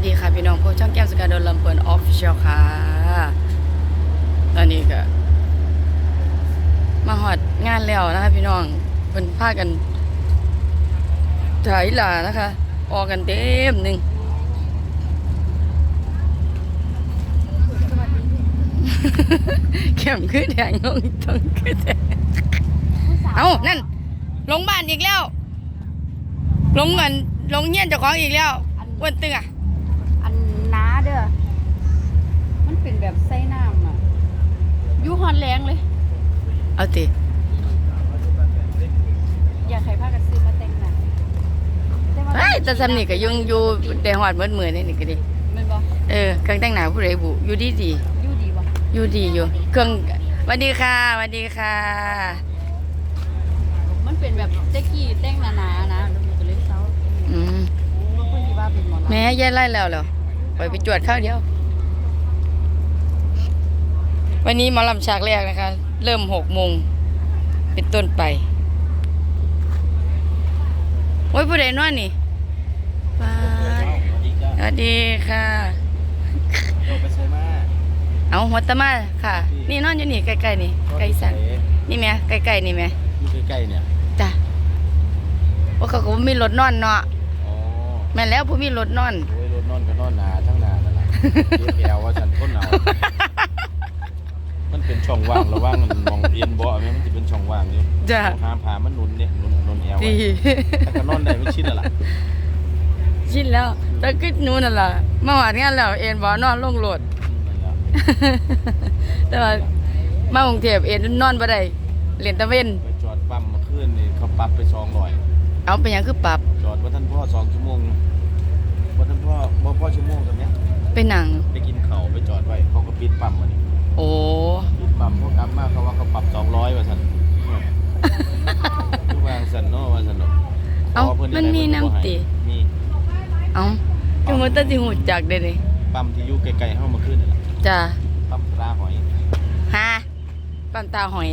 สดีค่ะพี่น้องพวกช่องแก้มสกาโดนลำเปิดออฟฟิเชียลค่ะตอนนี้ก็มาหอดงานแล้วนะคะพี่น้องเป็นพากันถ่ายหลานะคะออกกันเต็มหนึ่งเข้มขึ้นแดงลงต้องขึ้นแดงเอานั่นลงบ้านอีกแล้วลงเงินลงเงี้ยนเจ้าของอีกแล้วอ้วนตึงอ่ะอันน้าเด้อมันเป็นแบบไส้น้ำอ่ะยูฮอนแรงเลยเอาติอยากใครพากันซื้อมาแต่งหน้าเฮ้ยแต่สำนี่ก็ยังอยู่ได้หอดมือนี่ก็ดีมันบ่เครื่องแต่งหน้าผู้ใดบุอยู่ดียูดีบ่อยู่ดีอยู่เครื่องสวัสดีค่ะสวัสดีค่ะมันเป็นแบบเจ๊กี้แต่งหนาๆนะแล้วมันก็เลยเซาบางคนที่ว่าเป็นหมอลำแม่ย่าไล่แล้วเหรอไปจวดข้าวเดียววันนี้หมอลำฉากแรกนะคะเริ่ม6 โมงเป็นต้นไปโอ้ยผู้ใดนอนนี่สวัสดีค่ะเอาหัวตะมาค่ะนี่นอนอยู่นี่ใกล้ๆนี่ใกล้สันนี่แม่ใกล้ๆนี่แม่อยู่ใกล้ๆเนี่ยจ้ะว่าเขาก็มีรถนอนเนาะแม่แล้วผู้มีรถนอนโอ้ยรถนอนก็นอนหนาทั้งหนานั่นแหละแกวว่าฉันต้นหนาวมันเป็นช่องว่างระว่างมันมองเอียนบ่อไหมมันจะเป็นช่องว่างอยู่จ้ะหาผ่ามันนุนเนี่ยนุนแอวแต่ก็นอนได้ไม่ชินแล้วล่ะชินแล้วแต่ก็นู้นนั่นล่ะมาหวานงานแล้วเอ็นบ่นอนลงรถแต่ว่ามา กรุงเทพเอ็นนอนบ่ได้เล่นตะเว้นไปจอดปั๊มมาขึ้นนี่เขาปรับไป200 เอาไปยังคือปรับจอดว่าท่านพ่อ2 ชั่วโมงว่าท่านพ่อชั่วโมงแบบนี้ไปหนังไปกินข้าวไปจอดไว้เขาก็ปิดปั๊มมานี่โอ้ปิดปั๊มพวกกลับมาเขาว่าเขาปรับ200ว่าซั่นทุกวางซั่นเนาะว่าซั่นเนาะเอามันมีน้ำติมีเอาคือมันตั้งสิหูจักเด้นี่ปั๊มที่อยู่ไกลๆเฮามาขึ้นนี่ล่ะจ้ะปั๊มตาหอยฮะปั๊มตาหอย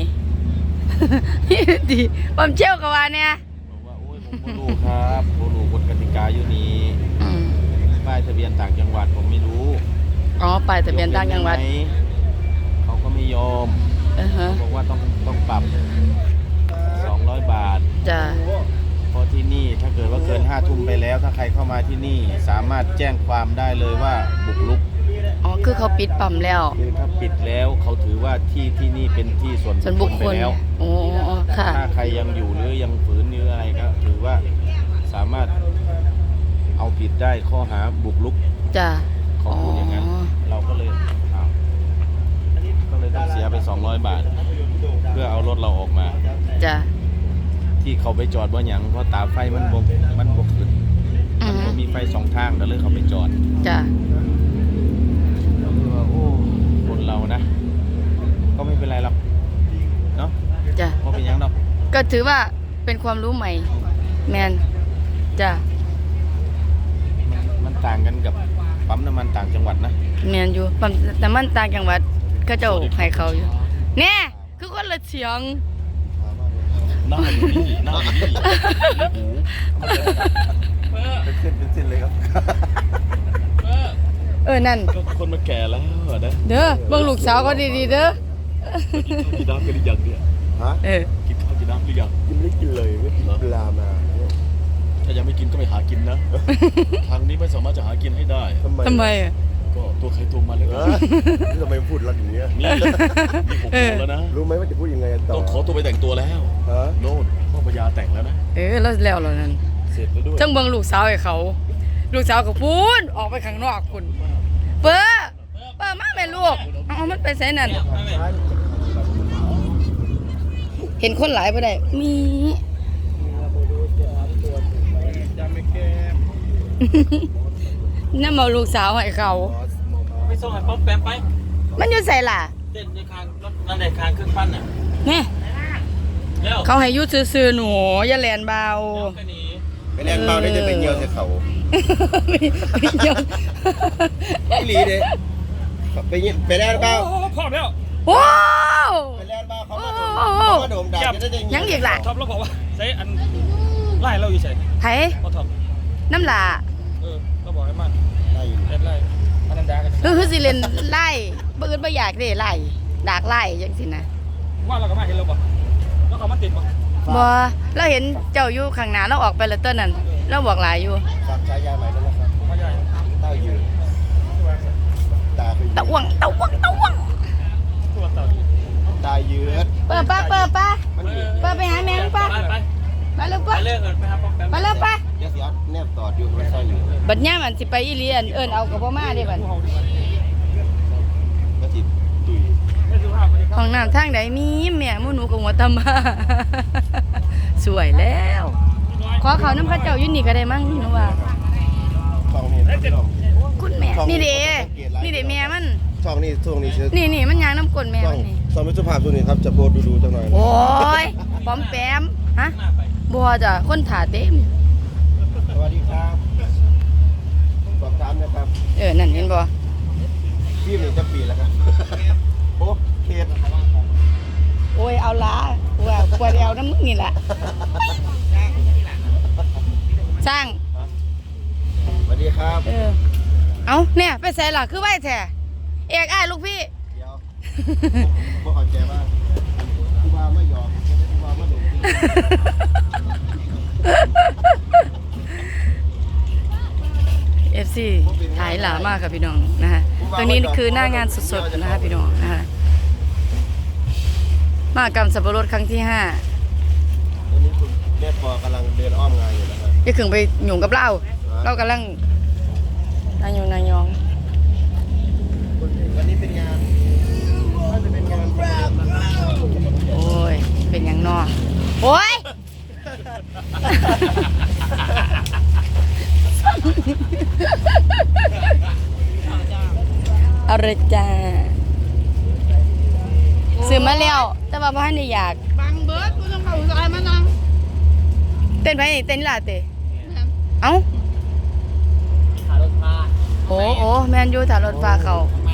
ดีปั๊มเชี่ยวก็ว่าเนี่ยบอกว่าโอ้ยผมบ่รู้ครับบ่รู้กฎกติกาอยู่นี่ป้ายทะเบียนต่างจังหวัดผมไม่รู้อ๋อป้ายทะเบียนต่างจังหวัดเขาก็ไม่ยอมบอกว่าต้องปรับ200 บาทจ้ะเพราะที่นี่ถ้าเกิดว่าเกิน5 ทุ่มไปแล้วถ้าใครเข้ามาที่นี่สามารถแจ้งความได้เลยว่าบุกรุกอ๋อคือเขาปิดปั๊มแล้วคือถ้าปิดแล้วเขาถือว่าที่นี่เป็นที่ส่วนบุคคลไปแล้วโอ้ค่ะถ้าใครยังอยู่หรือยังฝืนหรืออะไรก็ถือว่าสามารถเอาผิดได้ข้อหาบุกรุกจ้ะเขาพูดอย่างนั้นเราก็เลยต้องเสียไป200 บาทเพื่อเอารถเราออกมาจ้ะที่เขาไปจอดว่าอย่างเพราะตาไฟมันบกขึ้นมันก็มีไฟ2 ทางก็เลยเขาไปจอดจ้ะเราคือว่าโอ้คนเรานะก็ไม่เป็นไรหรอกเนาะจ้ะเพราะเป็นยังหรอกก็ถือว่าเป็นความรู้ใหม่แมนจ้ะมันต่างกันกับปั๊มน้ำมันต่างจังหวัดนะแมนอยู่ปั๊มน้ำมันต่างจังหวัดก็เจ้าให้เขาอยู่เนี่ยคือคนละเสียงหน้าอยู่นี่หน้าอยู่นี่เป็นเส้นเลยครับนั่นคนมาแก่แล้วเด้อเบิ่งลูกสาวก็ดีๆเด้อกินน้ำกันหรือยังเนี่ยฮะกินข้าวกินน้ำหรือยังกินไม่กินเลยไม่กินปลามาถ้ายังไม่กินก็ไปหากินนะทางนี้ไม่สามารถจะหากินให้ได้ทำไมก็ตัวใครตัวมันเลยทำไมพูดรักอย่างเงี้ยนี่ผมบอกแล้วนะรู้ไหมว่าจะพูดยังไงต่อต้องขอตัวไปแต่งตัวแล้วโน่นพ่อพญาแต่งแล้วนะแล้วนั่นเสร็จแล้วด้วยจังเบิ่งลูกสาวให้เขาลูกสาวก็พูนออกไปข้างนอกคุณเปิ้ลมาแม่ลูกเอามันไปไสนั่นเห็นคนหลายบ่ได้มีนั่นมาลูกสาวให้เขาไปส่งให้ป๊อปแปมไปมันอยู่ใส่ล่ะเต้นในคางรถนั่นในคางเครื่องปั้นน่ะนี่เขาให้ยุดซื่อๆหนูอย่าแลนเบาไปแลนเบาได้จะไปเยี่ยวใส่เขาไปเยี่ยวหลีเด้ไปแลนเบาพร้อมแล้วว้าวไปแลนเบาเขามาโดมด่าจะได้ยังอีกล่ะท็อปแล้วบอกว่าใส่อันไล่เราอยู่ใส่ไผ่พอท็อปน้ำหล่าเราบอกให้มันไล่อยู่คือสิเล่นไล่บ่อื่นบ่อยากเด้ไล่ดากไล่จังซี่นะว่าเราก็มาเห็นเราบ่แล้วเขามาติดบ่บ่เราเห็นเจ้าอยู่ข้างหน้าเราออกไปแล้วเต้นนั่นเราบอกหลายอยู่ฝากฉายาใหม่ด้วยนะครับมาใหญ่เต้ายืนตาคือตะวงตัวเต่าตายืดเปิดป้ามันยืดเปิดไปหาแม่ป้าไปมาเร็วไปป้าเลิกกันไปครับป้ามาเร็วป้าเดี๋ยวสิเอาแนบตอดอยู่มันใส่อยู่บัดย่ามอันสิไปอีเลียนเอิ้นเอากับบ่มาเด้บัดก็จิตุยไม่สุภาพเลยห้องน้ำทางใดมีแม่หมู่หนูกับหัวตำมา สวยแล้ว ขอเขาน้ำพระเจ้าอยู่นี่ก็ได้มั้งหนูว่าช่องนี้พี่น้องคุณแม่นี่เด้แม่มันช่องนี้ช่วงนี้ชื่อนี่มันยางน้ำกลนแม่ช่องมันนี่ช่องมิตรภาพช่วงนี้ครับจะโพสต์ดูๆจังหน่อยโอ้ยปอมแปมฮะบัวจ้ะคนถ่าเต็มสวัสดีครับสอบถามนะครับนั่นเห็นบ่พี่นี่จะปีแล้วครับโอ้เขตโอ้ยเอาละว่าควรเอาน้ำมึงนี่แหละสร้างสวัสดีครับเอาเนี่ยไปใส่หลักคือไว้แท้เอกอ้ายลูกพี่เดี๋ยวพวกเขาใจว่าผู้ว่าไม่ยอมผู้ว่าไม่หลงที่ FC ถ่ายหลามากค่ะพี่น้องนะคะตรงนี้คือหน้างานสดๆนะคะพี่น้องนะคะมหกรรมสับปะรดครั้งที่ 5 ตอนนี้คุณแม่พอกำลังเดินอ้อมงานอยู่นะครับจะขึ้นไปหยุ่งกับเรากำลังนายงนายองวันนี้เป็นงานน่าจะเป็นงานโอ้ยเป็นอย่างนอโอ้ยเอาเลยจ้าซื้อมาแล้วแต่ว่าพ่อให้อยากบางเบิร์ดกูต้องเข้าซอยมานั่งเต้นไปเต้นล่ะเต้เอ้าขารถพาโอ้แมนยูถ่ายรถฟ้าเขาทำไม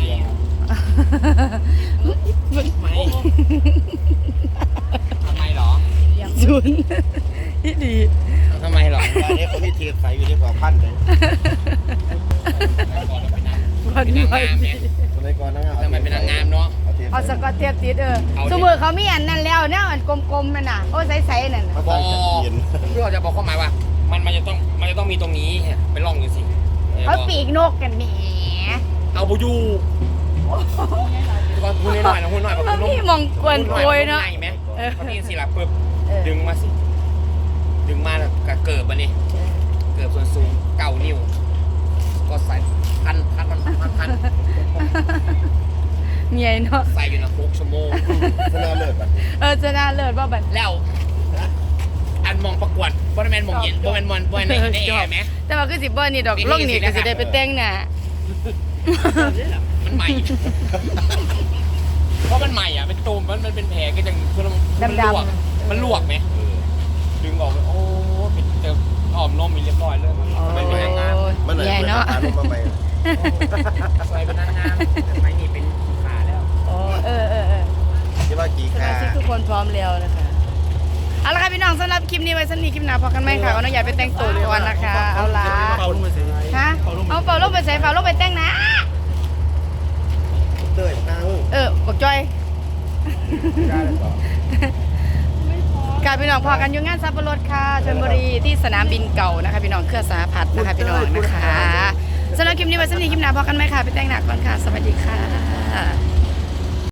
ทำไมหรอศูนย์ดีทำไมหรองานนี้เขามีเทปใส่อยู่ที่กว่าพันเลยวันนี้สมัยก่อนนะทำไมเป็นนางงามเนาะเอาสกอตเทียบติดสมมติเขามีอันนั้นแล้วเนี่ยอันกลมๆนั่นน่ะโอ้ใสๆนั่นมาตั้งแต่เย็นเพื่อจะบอกความหมายว่า มันจะต้องมีตรงนี้ไปล่องดูสิเขาปีกนกกันแหมเอาบูยูคุณหน่อยนะคุณหน่อยมันมีมองกวนโกยเนาะไงไหมเขามีสิล่ะปึ๊บดึงมาสิดึงมาแล้วก็เกิบอันนี้เกิบส่วนสูง9 นิ้วก็ใส่พันเมียเนาะใส่อยู่นะ6 ชั่วโมงชนะเลิศป่ะจะน่าเลิศว่าบัดแล้วอันมองประกวดบริเวณมองเย็นบริเวณมองบริเวณในแอร์ไหมแต่ว่าคือสิบ่นี่ดอกลงนี่ก็สิได้ไปแต่งหน้ามันใหม่ เพราะมันใหม่อ่ะเป็นตูมมันเป็นแผลก็ยังมันลวกไหมดึงออกโอ้เป็นเจออ้อมนมมีเรียบร้อยเลยมันเป็นนางงามมันไหนใหญ่มันเนาะหาลงมาใหม่ใส่เป็นนางงามไม่นี่เป็นขาแล้วที่ว่ากี่สขามาชิกทุกคนพร้อมแล้วนะคะเอาละค่ะพี่น้องสำหรับคลิปนี้ไว้สักนิดคลิปหน้าพอกันไหมค่ะว่าน้องใหญ่ไปแต่งตัวก่อนนะคะ เอาละเป่าลงมาสิฮะเอาเป่าลงไปใส่เป่าลงไปแต่งหนะเต้ยนางบอกจอยได้เลยต่อค่ะพี่น้องพอกันอยู่งานซับปะรดค่ะชลบุรีที่สนามบินเก่านะคะพี่น้องเครือสาพัฒน์นะคะพี่น้องนะคะสำหรับคลิปนี้ไว้สักนิดคลิปหน้าพอกันไหมค่ะไปแต่งหน้าก่อนค่ะสวัสดีค่ะ